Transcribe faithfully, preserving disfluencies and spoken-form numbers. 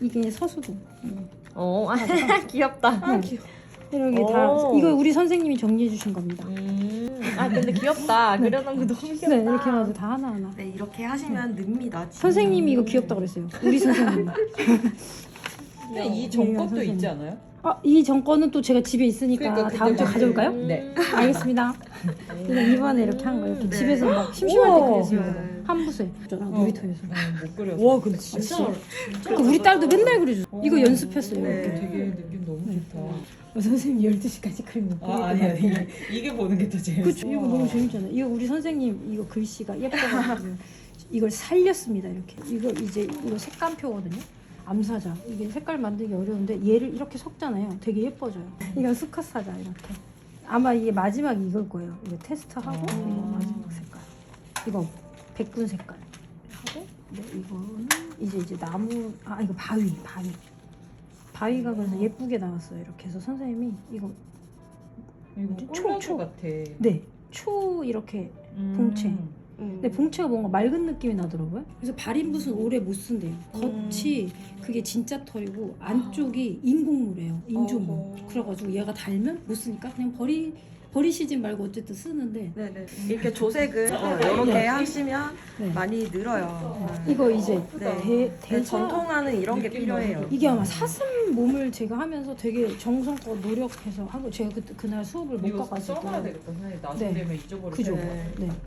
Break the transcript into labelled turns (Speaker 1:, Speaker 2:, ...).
Speaker 1: 이게 서수도.
Speaker 2: 어, 귀엽다.
Speaker 1: 네. 이렇게 다
Speaker 2: 오.
Speaker 1: 이거 우리 선생님이 정리해 주신 겁니다.
Speaker 2: 음. 아 근데 귀엽다.
Speaker 1: 네.
Speaker 2: 그려놓은 거 너무 귀엽다.
Speaker 1: 네, 이렇게 해가지고 다 하나 하나.
Speaker 3: 네, 이렇게 하시면 늡니다. 진짜.
Speaker 1: 선생님이 이거 귀엽다 그랬어요. 우리 선생님.
Speaker 4: 근데 이 정권도 있지 않아요?
Speaker 1: 아, 이 정권은 또 제가 집에 있으니까
Speaker 4: 그러니까
Speaker 1: 다음 주에
Speaker 4: 그때
Speaker 1: 가져올까요?
Speaker 4: 네.
Speaker 1: 알겠습니다. 그냥 이번에 이렇게 한 거 이렇게
Speaker 3: 네.
Speaker 1: 집에서 막 심심할 때
Speaker 4: 우와.
Speaker 1: 그랬어요.
Speaker 3: 네.
Speaker 1: 한 부서에 저랑 놀이터에서.
Speaker 4: 어, 못 그렸어.
Speaker 2: 와 근데 진짜
Speaker 1: 진짜. 그러니까 우리 딸도 맨날 그려줘. 이거 연습했어요.
Speaker 3: 네.
Speaker 1: 이렇게.
Speaker 4: 되게 느낌 너무 좋다.
Speaker 1: 어, 선생님 열두 시까지 그림 못
Speaker 4: 아 아니야 이게, 이게 보는 게 더 재밌어.
Speaker 1: 그쵸. 이거 너무 재밌잖아요. 이거 우리 선생님 이거 글씨가 예뻐가지고 이걸 살렸습니다. 이렇게. 이거 이제 이거 색감표거든요. 암사자. 이게 색깔 만들기 어려운데 얘를 이렇게 섞잖아요. 되게 예뻐져요. 이건 수컷 사자 이렇게. 아마 이게 마지막 이걸 거예요. 이거 테스트하고
Speaker 4: 아.
Speaker 1: 이거 마지막 색깔. 이거 백군 색깔 하고 네, 이거는 이제 이제 나무 아 이거 바위 바위. 바위가 그래서 예쁘게 나왔어요. 이렇게 해서 선생님이 이거
Speaker 4: 이거
Speaker 1: 초,
Speaker 4: 콜라주
Speaker 1: 초.
Speaker 4: 같아.
Speaker 1: 네, 초 이렇게
Speaker 4: 음.
Speaker 1: 봉채.
Speaker 3: 음.
Speaker 1: 근데 봉채가 뭔가 맑은 느낌이 나더라고요. 그래서 발인붓은 오래 못 쓴대요. 겉이 그게 진짜 털이고 안쪽이 인공물이에요. 인조물.
Speaker 3: 어허.
Speaker 1: 그래가지고 얘가 달면 못 쓰니까 그냥 버리 버리시진 말고 어쨌든 쓰는데
Speaker 3: 네네. 이렇게 조색을 어, 이렇게 하시면
Speaker 1: 네.
Speaker 3: 많이 늘어요. 네.
Speaker 1: 이거 이제
Speaker 3: 네.
Speaker 1: 대,
Speaker 3: 네,
Speaker 1: 대사
Speaker 3: 전통화는 이런 게
Speaker 4: 느낌
Speaker 3: 필요해요.
Speaker 4: 너무
Speaker 1: 이게 아마 사슴 몸을 제가 하면서 되게 정성껏 노력해서 하고 제가 그, 그날 수업을 못
Speaker 4: 이거
Speaker 1: 가가지고
Speaker 4: 써놔야 되겠다. 선생님 나중
Speaker 1: 네.
Speaker 4: 되면 잊어버릴
Speaker 1: 그죠?
Speaker 4: 때.
Speaker 3: 네.
Speaker 1: 네.